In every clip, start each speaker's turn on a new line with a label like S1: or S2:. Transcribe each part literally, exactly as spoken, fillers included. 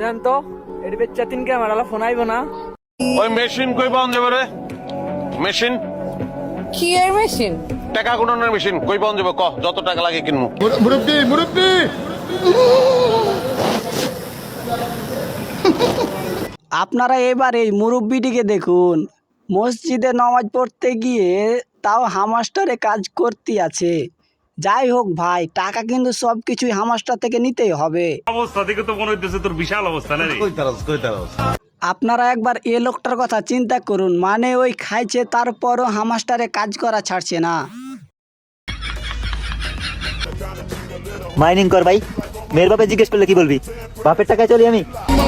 S1: দেন তো এটি বেচ্চা তিন ক্যামেরা ফোন আইব না
S2: ওই মেশিন কই পাওয়া যাবে রে? মেশিন
S3: কি এর মেশিন?
S2: টাকা গুণনের মেশিন কই পাওয়া যাবে? ক যত টাকা লাগে কিনবো।
S4: মুরব্বি মুরব্বি
S5: আপনারা এবার এই মুরব্বিটিকে দেখুন, মসজিদে নামাজ পড়তে গিয়ে তাও হামাস্টারে কাজ করতে আছে। যাই হোক ভাই, টাকা কিন্তু সব কিছুই হামাস্টার থেকে নিতেই হবে।
S6: অবস্থা দেখে তো মনে হইতেছে তোর বিশাল অবস্থা না রে।
S5: আপনারা একবার এ লোকটার কথা চিন্তা করুন, মানে ওই খাইছে তারপরও হামাস্টারে কাজ করা ছাড়ছে না।
S7: মাইনিং কর ভাই, মেয়ের বাপে জিজ্ঞেস করলে কি বলবি? বাপের টাকায় চলি আমি।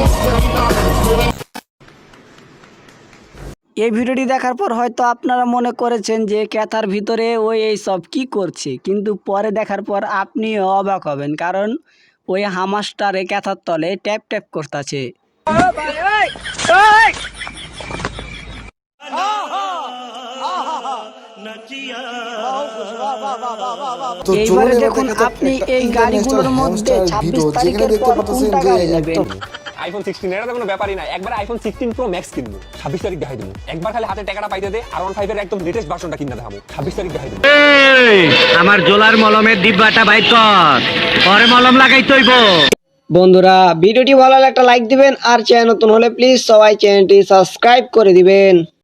S5: এই ভিডিওটি দেখার পর হয়তো আপনারা মনে করেছেন যে ক্যাথার ভিতরে ওই এই সব কি করছে, কিন্তু পরে দেখার পর আপনি অবাক হবেন, কারণ ওই হামাস্টারে ক্যাথার তলে ট্যাপ ট্যাপ করতেছে। এইবারে দেখুন আপনি এই গাড়িগুলোর মধ্যে ছাব্বিশ তারিখের পর কোনটা গাড়ি নেবেন?
S8: আইফোন সিক্সটিন এটা তো কোনো ব্যাপারই না, একবার আইফোন সিক্সটিন প্রো ম্যাক্স কিনবো, ছাব্বিশ তারিখ দেখাই দেবো। একবার খালি হাতে টাকাটা পাইতে দে, আর ওয়ান ফাইভ এর একদম লেটেস্ট ভার্সনটা কিনে দেখাবো, ছাব্বিশ তারিখ দেখাই দেবো।
S7: আমার জোলার মলমের ডিব্বাটা বাইর কর, পরে মলম লাগাই তৈব।
S5: বন্ধুরা, ভিডিওটি ভালো লাগলে একটা লাইক দিবেন, আর চ্যানেল নতুন হলে প্লিজ সবাই চ্যানেলটি সাবস্ক্রাইব করে দিবেন।